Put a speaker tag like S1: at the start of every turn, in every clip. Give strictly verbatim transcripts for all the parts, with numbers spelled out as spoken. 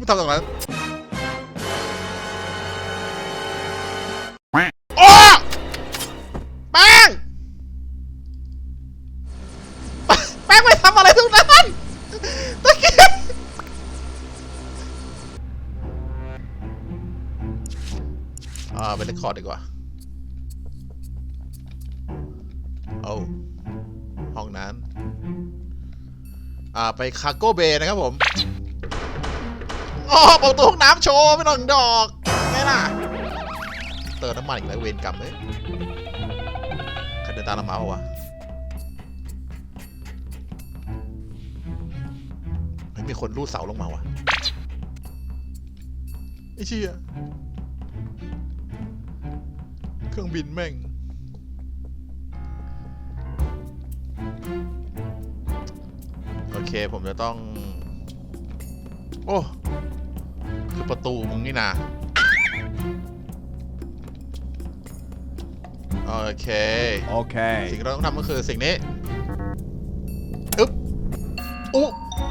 S1: ไม่ทำตรงนั้นโอ้แป้งแป้งไม่ทำอะไรตรงนั้นตะเกียบอ่าไปเรคคอร์ดดีกว่าเอาห้องนั้นอ่าไปคาร์โก้เบย์นะครับผมอ๋อเปิดประตูห้องน้ำโชว์ไม่ต้องดอกไงล่ะเติมน้ำมันอีกแล้วเวรกรรมเลยใครเดินตามเรามาวะไม่มีคนรูดเสาลงมาวะไอ้เชี่ยเครื่องบินแม่งโอเคผมจะต้องโอ้คือประตูมึงนี่นะโอเคโอเคสิ่งที่เราต้องทำก็คือสิ่งนี้อึ๊บอุ๊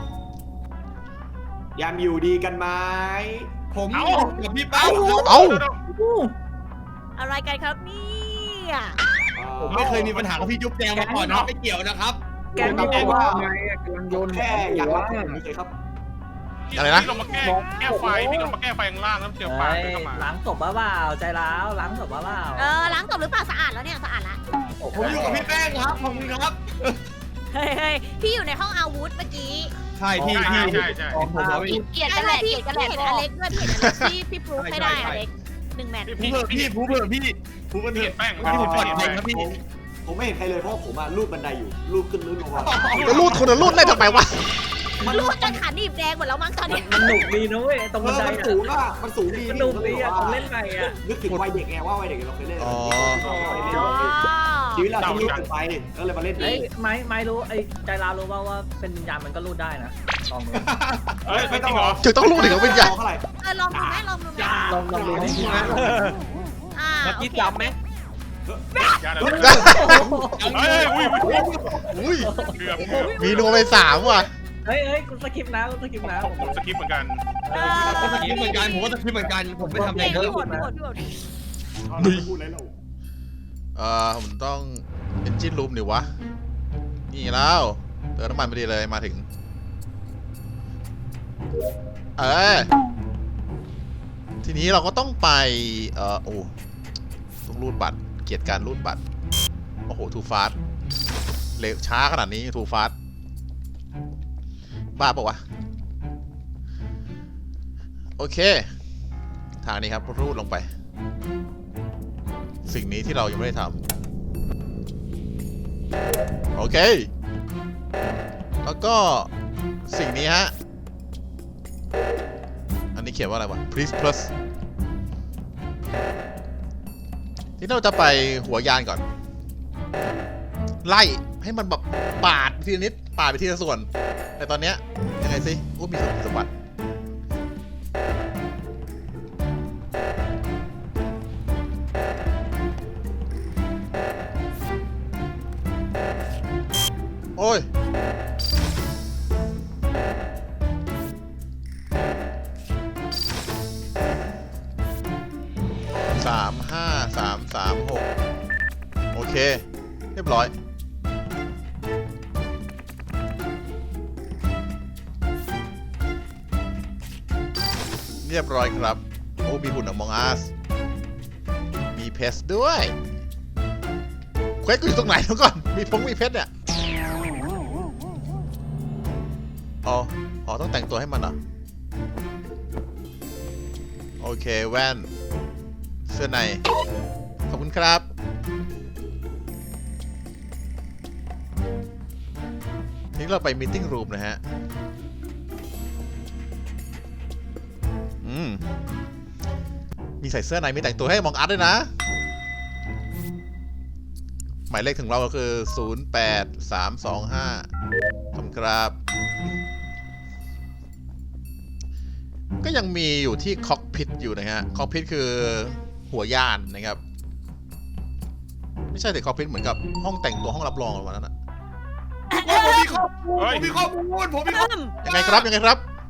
S2: ยังอยู่ดีกันไหมผมกับพี่เป้า
S1: เอ้า
S3: อะไรกันครับเนี่ย
S2: ผมไม่เคยมีปัญหากับพี่จุ๊บแจงมาก่อนนะไม่เกี่ยวนะครับ
S4: แกนี่บอกว่าไงกำลังโยนแค่อยากรับผมเฉยครับ
S1: อะไรนะ
S5: พี่ลงมาแก้แก้ไฟพี่ลงมาแก้ไฟข้างล่างแล้วเจอปลาเข้ามา
S6: ล้างศพบ้าเปล่าใจร้าวล้างศพบ้าเปล่า
S3: เออล้างศพหรือเปล่าสะอาดแล้วเนี่ยสะอาดละ
S2: ผมอยู่กับพี่แป้งครับผมครับ
S3: เฮ้ยพี่อยู่ในห้องอาวุธเมื่อกี้
S2: ใช่พี่พี่
S5: ใช่ใช่
S2: ผมผม
S3: เกลียดกันแหละเกลียดกันแหละเห็นอเล็กด้วยพี่เห็นอเล็กพี่พี่พรูฟให้ได้อเล็กหนึ่งแมตช์
S2: พี่พี่ผู้เผื่อพี่ผู้เผื่อ
S5: เห็นแป้ง
S2: พี่ผมปลอดภัยครับพี่
S4: ผมไม่เห็นใครเลยเพราะผมอ่ะลูดบันไดอยู่ลูดขึ้นลูดลงมา
S1: จะรูดคนจะรูดได้ทำไมวะ
S3: มันรูดจนขาหนีบแดงหมดแล้วมั้งตอนนี้
S6: มันหนุกดีนะเว้ยตรงบันได
S4: มันสูงอ่ะมันสูงดี
S6: มันหนุกดีอ่ะผมเล่นไงอ่ะ
S4: นึกถึงวัยเด็กไงว่าวัยเด็กเราเคยเล่นชีวิตเราที่ลูดกันไปก็เลยมาเล่น
S6: ไอ้ไม้ไม้รู้ไอ้ใจร้าวรู้ว่าว่าเป็นวิญญาณมันก็รูดได้นะลองดู
S5: เฮ้ยไม่ต้องหรอ
S1: ถึงต้องรูดถึงเป็นใหญ่
S4: เท่าไหร่
S3: เออลองดูไหมลองดูไหม
S6: ลองลองดูนะ
S3: อ่าโอเค
S6: จำไหม
S5: อย่าเลยเฮ้ยอุ้ย
S1: อุ้ย
S5: เกือบ
S1: มีนัวไปสามว่ะ
S6: เฮ้ยเฮ้ยกูสกิปนะกูสกิปนะ
S5: ผมสกิปเหมือนกัน
S2: ผมสกิปเหมือนกันผมก็สกิปเหมือนกันผมไม่ทำอะไรเลย
S3: พี่หมดพี่หมดพี่หมด
S4: พูดอะไรเรา
S1: เอ่อผมต้อง engine room ดิวะนี่แล้วเติมน้ำมันไปดีเลยมาถึงเออทีนี้เราก็ต้องไปเอ่อโอ้ต้องรูดบัตรเกียรติการรูดบัตรโอ้โหทูฟาสเร็วช้าขนาดนี้ทูฟาสบ้าปะวะโอเคทางนี้ครับรูดลงไปสิ่งนี้ที่เรายังไม่ได้ทำโอเคแล้วก็สิ่งนี้ฮะอันนี้เขียนว่าอะไรวะ please plus ที่เราจะไปหัวยานก่อนไล่ให้มันแบบปาดไปทีละนิดปาดไปทีละส่วนแต่ตอนเนี้ยยังไงสิโอ้มีสมบัติโอ้ยสามห้าสามสามหกโอเคเรียบร้อยเรียบร้อยครับโอ้มีหุ่นอมองอัสมีเพชรด้วยเควสกูอยู่ตรงไหนแล้วก่อนมีพงมีเพชรเนี่ยอ๋ออ๋อต้องแต่งตัวให้มันเหรอโอเคแว่นเสื้อในขอบคุณครับนี่เราไปมีติ้งรูมนะฮะอืมมีใส่เสื้อในมีแต่งตัวให้มองอัดด้วยนะหมายเลขถึงเราก็คือศูนย์ แปด สาม สอง ห้าขอบคุณครับก็ยังมีอยู่ที่คอกพิทอยู่นะฮะคอกพิทคือหัวยานนะครับไม่ใช่แต่คอกพิทเหมือนกับห้องแต่งตัวห้องรับรองอะไรแบบนั้นนะ
S2: ผมมีข้อมูลผมมีข้อมูลผมมีข้อมูล
S1: ยังไงครับยังไงครับ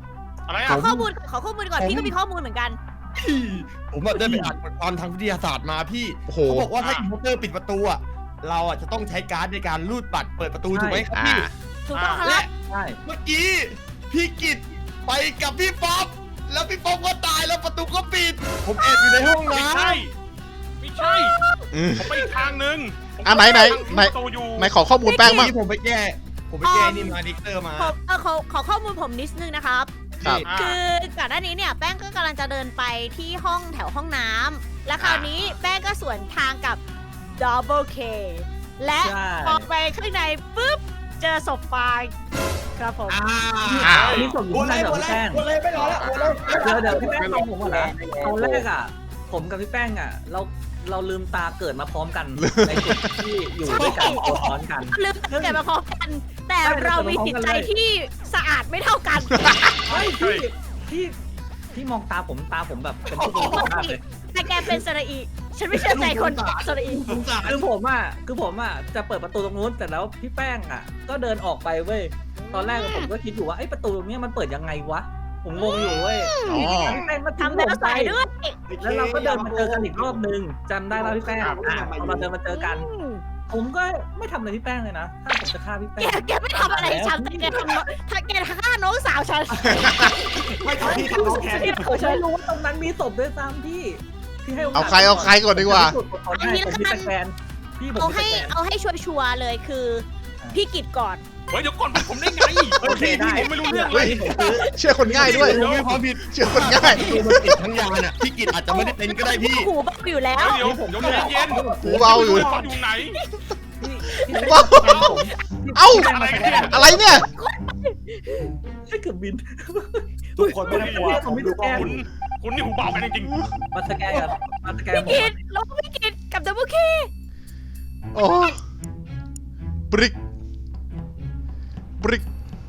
S5: อะไร
S3: ขอ
S5: อ่ะ
S3: ข้อมูลขอข้อมูลก่อนพี่ก็มีข้อมูลเหมือนกัน
S2: ผมแบบได้ไปอ่านบทความทางวิทยาศาสตร์มาพี่
S1: โอ้โห
S2: เขาบอกว่าถ้าอินเวอร์เตอร์ปิดประตูอะเราอะจะต้องใช้การ์ดในการรูดบัตรเปิดประตูถูกไหมครับ
S1: อ่า
S2: พี่
S3: ถูกต้องค
S2: และ
S3: รับ
S6: ใช่
S2: เมื่อกี้พี่กิตไปกับพี่ป๊อปแล้วพี่ป๊อปก็ตายแล้วประตูก็ปิด ผมแอบอยู่ในห้อง
S5: ไม่
S2: น้
S5: ใช่ไม่ใช่
S1: อืม
S5: ผมไปอีกทางนึงผม
S1: อ่ะไหนไหนไหน
S5: ประตูอยู่
S1: ไหนขอข้อมูล
S2: ำ
S1: แป้งบ้าง
S2: ที่ผมไปแก้ ผมไปแก้นี่มาดิกเตอร์มา
S3: ผมเออขอขอข้อมูลผมนิดนึงนะครับ
S1: ครับ
S5: อ่า
S3: คือก่อนหน้านี้เนี่ยแป้งก็กำลังจะเดินไปที่ห้องแถวห้องน้ำและคราวนี้แป้งก็สวนทางกับ Double K และ
S6: ใช่
S3: พอไปข้างในปุ๊บเจอศพฟางครับผม
S1: อ้าว
S6: นี่ส่งอยู่ข้างในเหรอพี่แป้ง
S4: โอนเลยไม่รอแล้วโอนเลย
S6: เดี๋ยวเดี๋ยวพี่แป้งฟังผมก่อนนะตอนแรกอ่ะ ผมกับพี่แป้งอ่ะ เราเราลืมตาเกิดมาพร้อมกันในจุดที่อยู่ด้วยกันตัวซ้อนกัน
S3: ลืมเกิดมาพร้อมกัน แต่
S6: ใช่
S3: เรามีจิตใจที่สะอาดไม่เท่ากัน
S6: เฮ้ยพี่พี่พี่มองตาผมตาผมแบบเป็นผู้บริสุทธิ์มากเลย
S3: แต่แกเป็นสระอีฉันไม่เชื่อใจคนสระอี
S2: สงสาร
S6: คือผมอ่ะคือผมอ่ะจะเปิดประตูตรงนู้นแต่แล้วพี่แป้งอ่ะ ก็เดินออกไปเว้ยตอนแรกผมก็คิดอยู่ว่าไอ้ประตูตรงนี้มันเปิดยังไงวะผมงงอยู่เว้ย
S1: อ๋อ
S6: พี่แป้งมา
S3: ทำแล้วใส่ด้วย
S6: แล้วเราก็เดินมาเจอกันอีกรอบนึงจำได้แล้วพี่แป้งอ่ะเราเดินมาเจอกัน ผมก็ไม่ทำอะไรพี่แป้งเลยนะถ้าผมจะฆ่าพี่
S3: แก
S6: แป้ง
S3: แกไม่ทำอะไรฉันแต่แกทำน้องถ้าแกฆ่าน้องสาวฉัน
S4: ไม่ทำพี่ทำน้องแทน
S6: พี่ผมไม่รู้ว่าตรงนั้นมีศพด้วยซ้ำพี่พี่ให้โอกาส
S1: เอาใครเอาใครก่อนดีกว่า
S6: ผมให้ผมพี่สแกนพี่ผม
S3: เอา
S6: พี่
S3: ให้
S6: สแกน
S3: เอาให้ชัวร์ๆเลยคือ พี่กิจก่อน
S5: เฮ้ยเดี๋ยวก่อนผมได้ไง
S6: โอเคได้
S5: ผมไม่รู้เรื่องเลย
S6: ผมซื้อ
S1: เชื่อคนง่ายด้วย
S2: ผมมีความผิด
S1: เชื่อคนง่าย
S2: ประตูมันปิดทั้งยานอะพี่กิตอาจจะไม่ได้เป็นก็ได้พี่
S3: หูเบาอยู่แล้ว
S5: เดี๋ยวเดี๋ยวเดี๋ยวเย็น
S1: หูเบาอยู่
S5: เขาอยู่ไหน
S6: พี่พี่
S1: ว้าว
S6: ผม
S1: เอ้า
S5: อะไรกันเนี่ย
S1: อะไรเนี่ย
S6: ไม่เกือบบิน
S4: ทุกคนไม่ต้องกลัวผมดูข้อ
S5: คุ
S4: มู
S5: ณ
S4: ล
S5: คุณนี่หูเบากันจริง
S6: มาสแกนกันมาสแกน
S3: พี่
S6: ผม
S3: กิจแล้วพี่กิจกับดับเบิลเค
S1: โอ้บริกบริก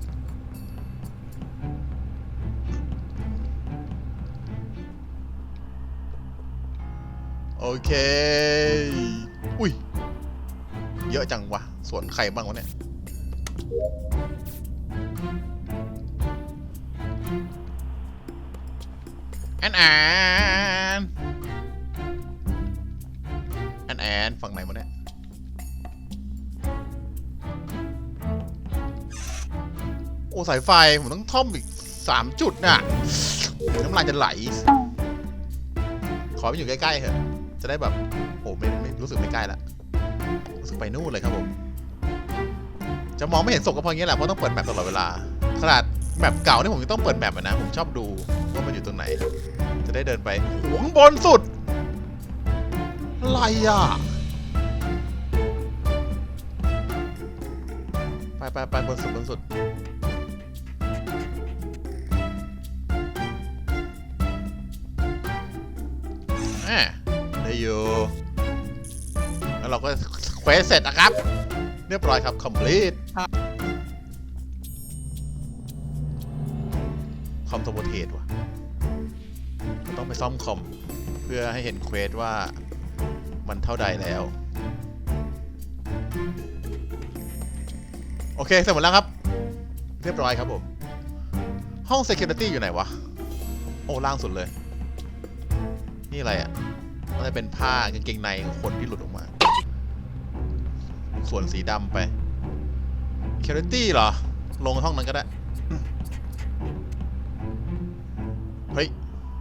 S1: โอเค อุ้ย เยอะจังวะสวนใครบ้างวะเนี่ย แอนแอนแอนแอนฝั่งไหนวะเนี่ย โอ้สายไฟ ผมต้องท่อมอีกสามจุดน่ะ น้ำลายจะไหล ขอไปอยู่ใกล้ๆเถอะ จะได้แบบ โอ้ไม่ไม่รู้สึกไม่ใกล้ละรู้สึกไปนู่นเลยครับผม จะมองไม่เห็นศพก็เพราะอย่างนี้แหละ เพราะต้องเปิดแมปตลอดเวลา ขนาดแมปเก่านี่ผมยังต้องเปิดแมปนะ ผมชอบดูว่ามันอยู่ตรงไหน จะได้เดินไปหัวข้างบนสุด อะไรอ่ะ ไปไปไปบนสุดบนสุด แหมได้อยู่แล้วเราก็เควสเสร็จนะครับ เรียบร้อยครับ complete คอมโทโบเทสว่ะต้องไปซ่อมคอม เพื่อให้เห็นเควสว่ามันเท่าใดแล้ว โอเค เสร็จหมดแล้วครับ เรียบร้อยครับผม ห้อง security อยู่ไหนวะ โอ้ ล่างสุดเลย นี่อะไรอ่ะน่าจะเป็นผ้ากางเกงในของคนที่หลุดออกมา ส่วนสีดำไป security เหรอ ลงห้องนั้นก็ได้ เฮ้ย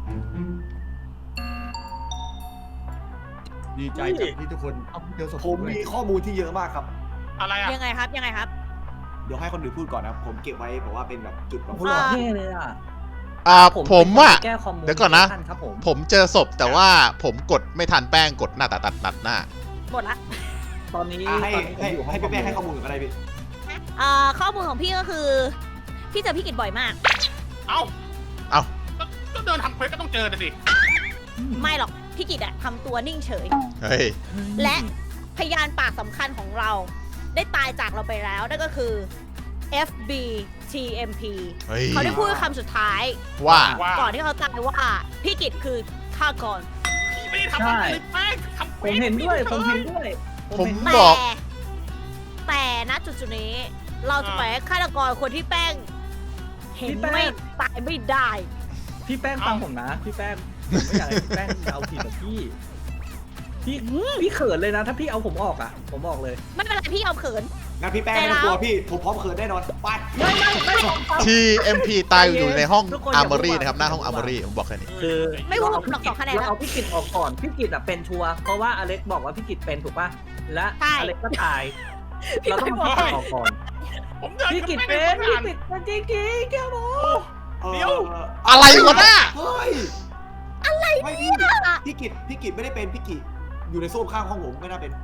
S2: ดีใจจังที่ทุกคนเจอศพ
S4: ผมมีข้อมูลที่เยอะมากครับ
S5: ๆ อะไรอ่ะ
S3: ยังไงครับยังไงครับ
S4: เดี๋ยวให้คนอื่นพูดก่อนนะผมเก็บไว้บอกว่าเป็นแบบจุดแบบ
S6: คุณหล่อเท่เลยอ่ะ
S1: อ่า ผมอ่ะ
S6: แก้คอมมู
S1: เดี๋ยวก่อนนะ
S6: ครับผม
S1: ผมเจอศพแต่ว่าผมกดไม่ทันแป้งกดหน้าตัดตัดตัดหน้า
S3: หมดละ
S6: ตอนนี้
S4: อ่ะให้
S6: ตอนนี้ผม
S4: ให้
S6: อยู่ห้อง
S4: ให้พี่แป้งให้ข้อมูลกันก็ได้พี่
S3: อ่าข้อมูลของพี่ก็คือ พี่เจอพี่กิจบ่อยมาก
S5: เอ้า
S1: เอ้า
S5: ก็ก็เดินทำเควสก็ต้องเจอแต่สิ
S3: ไม่หรอกพี่กิจอะทำตัวนิ่งเฉย
S1: เฮ้ย
S3: และพยานปากสำคัญของเรา ได้ตายจากเราไปแล้วนั่นก็คือ เอฟ บี ที เอ็ม พี
S1: เฮ้ย
S3: เขาได้พูดคำสุดท้าย
S1: ว่า
S5: ว่า
S3: ก่อนที่เขาตายว่าพี่กิจคือฆาตกร
S5: พี่ไม่ได้ทำอะไรเลยแป้งทำ
S6: ผมเห็นด้วยผมเห็นด้วย
S1: ผม
S6: เห็น
S3: แต่
S1: บอก
S3: แต่ณจุดจุดๆนี้ เราจะปล่อยให้ฆาตกรคนที่แป้งเห็นไม่ตายไม่ได้
S6: พี่แป้งฟังผมนะ พี่แป้งผมไม่อยากให้พี่แป้งเอาผิดกับพี่ พี่พี่เขินเลยนะ ถ้าพี่เอาผมออกอ่ะ ผมบอกเลย
S3: ไม่เป็นไรพี่เอาเขิน
S2: งั้นพี่แป้งไม่ต้องกลัวพี่ผมพร้อมเขินแน่นอนไป
S6: ไม่ไม่ไม่
S1: ทีเอ็มพีตายอยู่ในห้อง
S6: ทุกคน
S1: อา
S6: อย่า
S1: ร์มอรี่
S6: พูดว่า
S1: นะครับหน้าห้องอาร์มอรี่ผมบอกแค่นี้
S6: คือ
S3: ไม่พูดหรอกสองคะแนน
S6: เราเอาพี่กิตออกก่อน พี่กิตอ่ะเป็นชัวร์เพราะว่าอเล็กบอกว่าพี่กิตเป็นถูกป่ะ และ
S3: ใช่
S6: อเล็กก็ตาย
S3: พี่
S6: เราต้อง
S3: ไม่
S6: มา
S3: บอก
S6: ออกก่อน
S5: ผมเดิน
S6: พี่กิต
S5: ไม่
S6: เป็
S5: ได้
S6: น
S5: ไม่
S6: พี่
S5: ได้
S6: กิตเป็นจริงจริงแกบอก
S5: เดี๋ยว
S1: อะไรวะน่ะ
S2: เฮ้ยอะไรไม่พี่พี่กิจพี่กิจไม่ได้เป็นพี่กิจอยู่ในโซ่ข้างห้องผมไม่น่าเป็น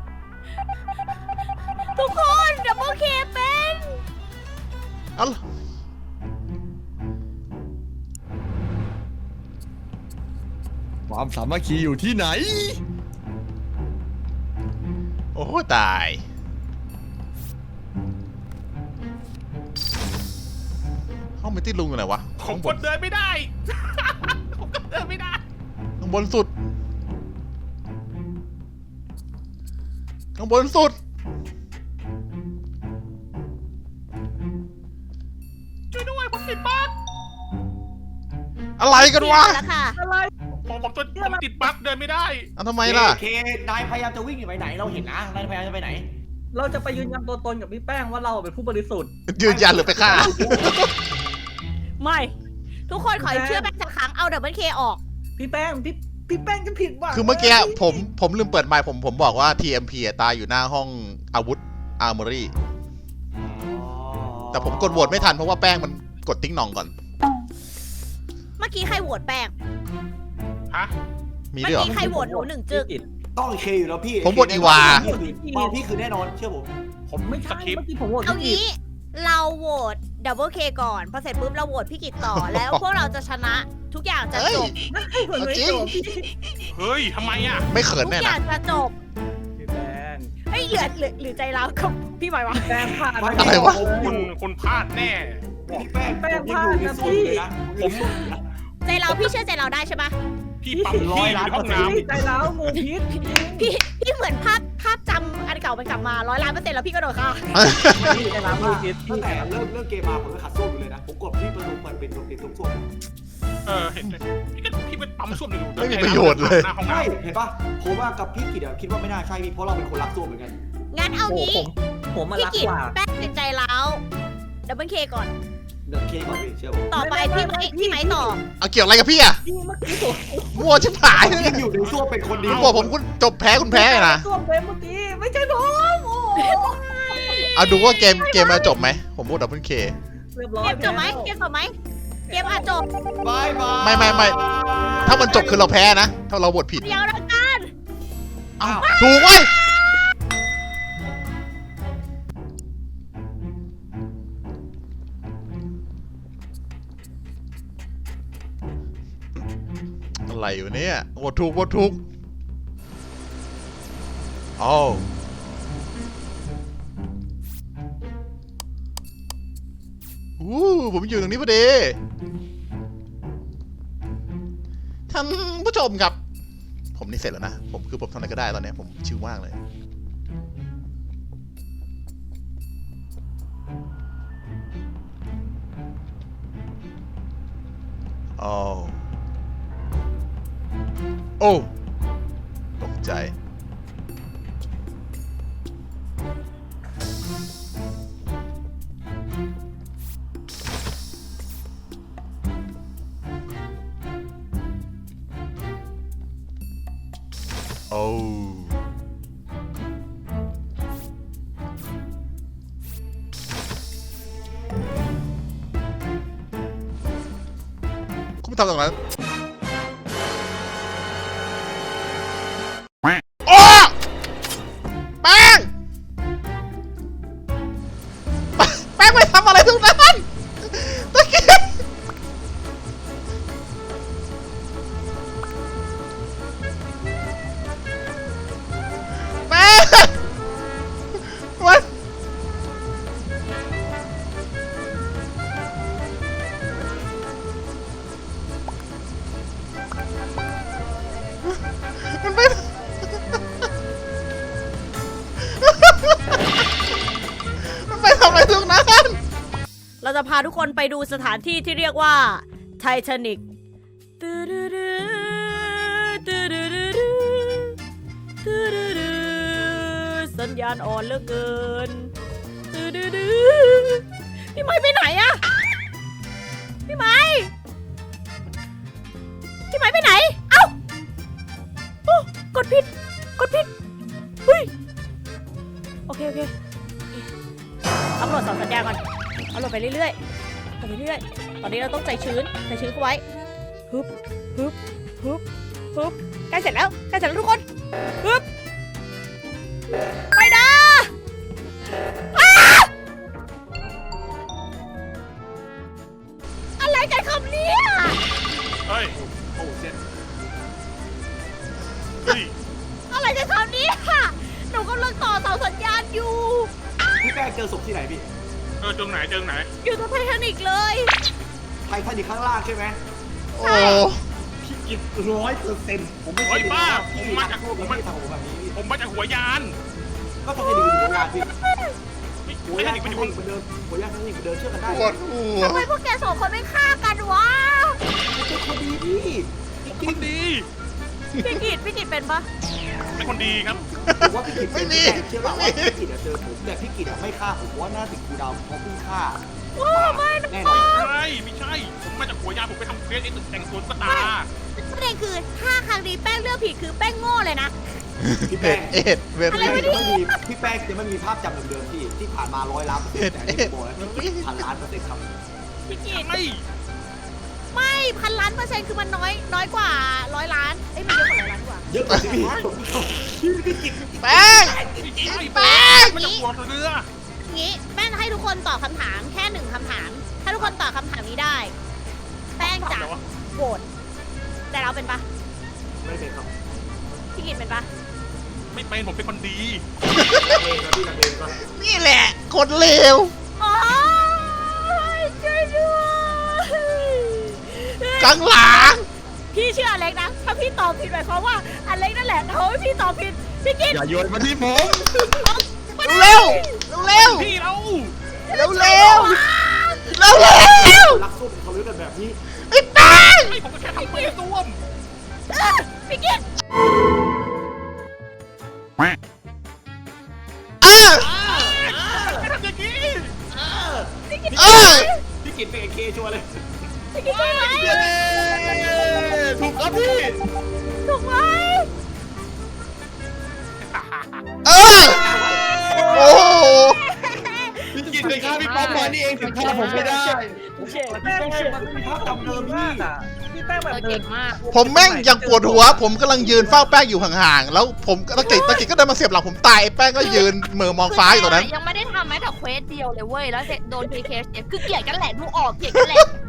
S3: ทุกคนดับเบิลเคเป็น
S1: เอ้า
S2: ความสามัคคีอยู่ที่ไหน
S1: โอ้ตายห้องมิตี้ลุงอยู่ไหนวะ
S5: ผม
S1: ข้างบ
S5: ก
S1: น
S5: ดเดินไม่ได้ ผมก็เดินไม่ได้
S1: ข้างบนสุดข้างบนสุด
S5: ช่วยด้วยผมติดบั๊ก
S1: อะไรกันวะ
S3: แล้วค่ะ
S6: อะไร
S5: ผมผมตัวผมติดบั๊กเดินไม่ได้
S1: เอาทำไมล่ะ
S2: เคนายพยายามจะวิ่งอยู่ไปไหนเราเห็นนะนายพยายามจะไปไหน
S6: เราจะไปยืนยันตัวตนกับพี่แป้งว่าเราเป็นผู้บริสุทธิ์
S1: ยืนยันหรือไปฆ่า
S3: ไม่ ทุกคนขอเชื่อแป้งสักครั้งเอาดับเบิลเคออก
S6: พี่แป้งพี่พี่แป้งจะผิดหวัง
S1: คือเมื่อกี้ผมผมลืมเปิดไมค์ผมผมบอกว่า ที เอ็ม พี อะตายอยู่หน้าห้องอาวุธอาร์มอรี่ แต่ผมกดโหวตไม่ทันเพราะว่าแป้งมันกดติ้งหน่องก่อน
S3: เมื่อกี้ใครโหวตแป้ง
S5: ฮะ
S1: มี
S3: เมื่
S1: ด้วยเหร
S3: อ
S1: อ
S3: กี้ใครโหวตหนูหนึ่งจึก
S6: พี่กิต
S2: ต้องเคอยู่แล้วพี่
S1: ผมบทอีวา
S2: เปาพี่คือแน่นอนเชื่อผม
S5: ผม
S6: ไม่
S5: ส
S6: ใช่
S5: คริป
S6: เมื่
S5: ต์
S6: อกี้ผมโหวต
S3: เอา
S6: พี่กิต
S3: งี้เราโหวตดับเบิลเคก่อนพอเสร็จปุ๊บเราโหวตพี่กิตต่อ แล้วพวกเราจะชนะทุกอย่างจะ
S1: เฮ้ย
S3: จบ
S6: มันไม่
S1: จริง
S6: จบพี่
S5: เฮ้ยทำไมอ่ะ
S1: ไม่เขิน
S3: ทุก
S1: แน่
S3: อ
S1: นะ
S3: ย่างจะจบ
S6: พี่แป้ง
S3: เฮ้ยเหลือเหลือเหลือใจเรากับพี่หมายวะ
S6: แป้งผ่าน
S1: อะไรวะ
S5: คุณคุณพลาดแน่
S2: พี่แป้ง
S6: แป้ง
S2: ผมยังอยู่ในโซนอยู่เลยนะผมยังอยู่ในโซนอยู่นะ
S3: ใจเราพี่เชื่อใจเราได้ใช่ปะ
S5: พี่ปั๊มพี่อยู่ในห้องน้
S6: พี่ใจแล้วงูพิษ
S3: พี่พี่เหมือนภาพภาพจำอันเก่ามันกลับมาร้อยล้านเปอร์เซ็นต์แล้วพี่ก็โดนฆ่า
S6: พี่ใจแล้วงูพิษ
S2: ตั้งแต่เริ่มเริ่มเกมมาผมก็ขัดส้วมอยู่เลยนะผมกดที่ประตูเปิดเป็นตรงเป็นตรงส้วม
S5: ำเออเห็นเลยพี่ก็พี่ไปปั๊มส้วมหนึ่ง
S1: ไม่มีประโยชน์เลย
S5: หน้าห้องน้
S2: ใช่เห็นปะผมว่ากับพี่กิจอะคิดว่าไม่น่าใช่พี่เพราะเราเป็นคนรักส้วมเหมือนกัน
S3: งั้นเอา
S6: โอ้
S3: งี้
S6: ผมผมมา
S3: พี่
S6: รัก
S3: กิต
S6: กว่า
S3: แป้งเป็นใจแล้วดับเบิลเคก่อน
S2: เดี๋ยวเคก่อนพี่เชื่อผม
S3: ต่อไปพี่ไม้พี่ไม้ต่อ
S1: เอาเกี่ยวอะไรกับพี่อะ
S6: พี่เมื่อกี้ผม
S1: มั่วชิบหาย
S2: ผมยังอยู่ในส้วมเป็นคนเดี
S1: คุ
S2: ย
S1: ณ
S2: ว
S1: บอกผมคุณจบแพ้คุณแพ้เลยนะ
S6: ตัวเบมเมื่อกี้ไม่ใช่ผมโอ้โห
S1: เอาดูว่าเกมเกมมาจบไหมผมพูดดับเบิลเค
S6: เรียบร้อย
S3: เกมจบไหมเกมจบไหมเกมอาจจบ
S2: บายบาย
S1: ไม่ไม่ไม่ ถ้ามันจบคือเราแพ้นะ ถ้าเราบทผิด
S3: เดียวแล้วกัน
S1: เอ้าถูกเว้ยอะไรอยู่เนี่ยบทถูกบทถูกอ้าวอู้ผมอยู่ตรงนี้พอดี ท่านผู้ชมครับ ผมนี่เสร็จแล้วนะ ผมคือผมทำอะไรก็ได้ตอนนี้ผมชิลมากเลย โอ้โอ้ตกใจ โอ้คุณไม่ทำตรงนั้นโอ้แป้ง แป้งไปทำอะไรตรงนั้นตะกี้แป้งมัน มันไม่ มันไปทำอะไรตรงนั้น
S3: เราจะพาทุกคนไปดูสถานที่ที่เรียกว่าไททานิกสัญญาณอ่อนเหลือเกินพี่ไม้ไปไหนอะพี่ไม้พี่ไม้ไปไหนเอ้าโอ้กดผิดกดผิดเฮ้ยโอเคโอเคอัพโหลดสองสัญญาณก่อนอัพโหลดไปเรื่อยๆไปเรื่อยๆตอนนี้เราต้องใจชื้นใจชื้นเข้าไว้ฮึบฮึบฮึบฮึบใกล้เสร็จแล้วใกล้เสร็จแล้วทุกคนฮึบไปนะอ้าอะไรกันครับเนี่ย
S5: เฮ้ย
S2: โอ้เจ็ด
S5: เฮ้ย
S3: อะไรกันครับเนี่ยหนูกำลังต่อเสาสัญญาณอยู่
S2: พี่แป้งเจอศพที่ไหนพี่
S5: เออเจงไหนเจงไหน
S3: อยู่ตรงไททานิกเลย
S2: ไททานิคข้างล่างใช่ไหม
S1: โอ้
S2: พี่กิตร้อยเปอร์เซ็นต์ผมไม่
S5: เฮ้
S2: ใช่
S5: ยบ้า
S2: พี่
S5: ผมมาจาก
S2: พวก
S5: ผม
S2: พี่
S5: มา
S2: ทำผมแบบนี้พี่
S5: ผมมาจากหัวยาน
S2: ก็ทำให้ดีหัวยานพี่
S5: ไม่
S2: หัว
S5: ไม่
S2: ยา
S5: ได้
S2: น
S5: ไป
S2: ทำ
S5: อยู่
S2: ให้เหมือนเดิมหัวยานทำให้เหมือนเดิมเชื่อกันได้
S1: ปวดหัว
S3: ทำไมพวกแกสองคนไม่ฆ่ากันวะ
S2: เป็นคนดีพี่
S5: คนดี
S3: พี่กิตพี่กิตเป็นปะ
S5: เป็นคนดีครับ
S2: ผมว่าพี่กิตเป็นพี่แป้งเชื่อเปล่าว่าพี่กิตอะเจอผมแต่พี่กิตอะไม่ฆ่าผมเพราะว่าหน้าติดคูดาวเพราะเพิ่งฆ่า
S3: ว้าไม่นะ
S2: แน่นอน
S5: ใช่ไม่ใช่ ผมมาจากหัวยานผมไปทำเควสไอ้ตึกแต่งสวนสตาร์
S3: ประเด็นคือถ้าครั้งนี้แป้งเลือกผิดคือแป้งโง่เลยนะ
S2: พี่
S1: เอ็
S2: แป้
S1: ด
S2: ง
S1: เอ็ดเว
S3: อะไร
S1: รี
S3: วะ
S2: จะไม่มีพี่แป้งจะไม่มีภาพจำเดิมๆที่ที่ผ่านมาร้อยล้านเปอร์เซ็นต์แต่อันนี่ผมบอกแล้วพันล้านเปอร์เซ็นต์ครับ
S3: พี่กิต
S5: ไม่
S3: ไม่พันล้านเปอร์เซ็นต์คือมันน้อยน้อยกว่าร้อยล้านเอ้ยมันเยอะกว่าร้อยล้านกว่า
S2: เยอะกว่าที่พี่พี่พี่กิต
S1: แป้ง
S5: ไอ้
S1: แป้ง
S5: มันจะหัวเรือ
S3: งี้แป้งให้ทุกคนตอบคำถามแค่หนึ่งคำถาม ถ้าทุกคนตอบคำถามนี้ได้ แป้งจะโหวตแต่เราเป็นปะ
S2: ไม่เป็นครับ
S3: พี่กิตเป็นปะ
S5: ไม่เป็นผมเป็นคนดี
S2: เองนะพี่กันเองก็
S1: นี่แหละคนเลว
S3: โอ้ยช่วยด้วย
S1: กังหลัง
S3: พี่เชื่ออเล็กนะ ถ้าพี่ตอบผิดหมายความว่าอเล็กนั่นแหละเขาให้พี่ตอบผิด พี่กิต
S2: อย่าโยนมาที่ผม
S1: เร็วเร็ว
S5: พี่เรา
S1: เร็วเร็วเร็วเร็ว
S2: รักสู้เป็นเขาเรื่องกันแบบนี้
S1: ไอ้แป้ง
S5: ไม่ผมก็แค่ทำเควสร่วม
S3: เออพี่กิต
S1: เออ
S5: ไม่ทำอย่างนี้
S1: เออ
S2: พี่กิตเป็นเอเคชัวร์เลย
S3: พี่กิตใช่ไหม
S2: ถูกครับพี่
S3: ถูกไหม
S1: เออโอ้โห
S2: พี่กิตเป็นฆ่าพี่ป๊อปมานี่เองถึงฆ่าผมไม่ได้
S6: พี่แป้งมันมีภาพจำเดิมมากอ่ะพี่แป้งแบบเดินมาก
S1: ผมแม่งยังปวดหัว ผมกำลังยืนเฝ้าแป้งอยู่ห่างๆแล้วผมตะกิดตะกิดก็เดินมาเสียบหลังผมตายไอ้แป้งก็ยืนเหม่อมองฟ้าอยู่ตรงนั้น
S7: ยังไม่ได้ทำแม้แต่เควสเดียวเลยเว้ย แล้วโดนพีเคเสียคือเกลียดกันแหละดูออกเกลียดกันแหละ